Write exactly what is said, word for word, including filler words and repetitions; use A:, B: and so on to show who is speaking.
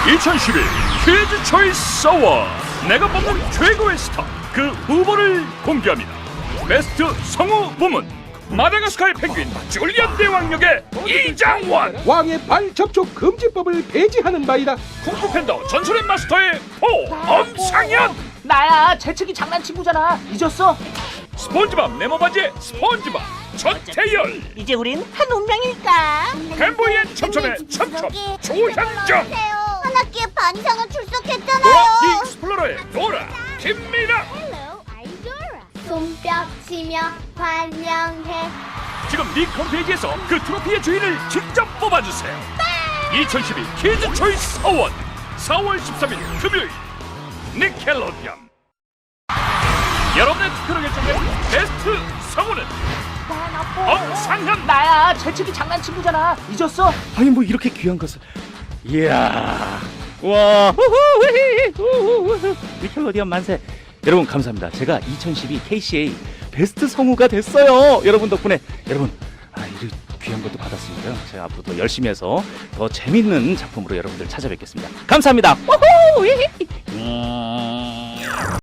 A: 이천십일 퀴즈 초이스 어워드, 내가 뽑는 최고의 스타 그 후보를 공개합니다. 베스트 성우 부문 마다가스카르 펭귄 줄리안 대왕역의 이장원,
B: 왕의 발 접촉 금지법을 폐지하는 바이다.
A: 쿵푸 팬더 전설의 마스터의 포 엄상현,
C: 나야, 재채기 장난친구잖아. 잊었어?
A: 스폰지밥 네모바지의 스폰지밥 전태열,
C: 이제 우린 한 운명일까?
A: 햄버이엔 첨첨의 첨첨 조현정,
D: 한 학기에 반상을 출석했잖아요.
A: 도라 디 익스플로러의 도라 김미라.
D: 손뼉 치며 환영해.
A: 지금 닉 홈페이지에서 그 트로피의 주인을 직접 뽑아주세요. 이천십이 키즈 초이스 어워드 사월 십삼일 금요일 니켈로디언. 여러분의 투표로 결정된 베스트 성우는 엄상현.
C: 나야, 재채기 장난친구잖아. 잊었어?
E: 아니 뭐 이렇게 귀한 것을. 이야, 와, 니켈로디언 만세. 여러분 감사합니다. 제가 이천십이 케이씨에이 베스트 성우가 됐어요. 여러분 덕분에. 여러분, 아, 이렇게 귀한 것도 받았으니까요. 제가 앞으로 더 열심히 해서 더 재밌는 작품으로 여러분들 찾아뵙겠습니다. 감사합니다.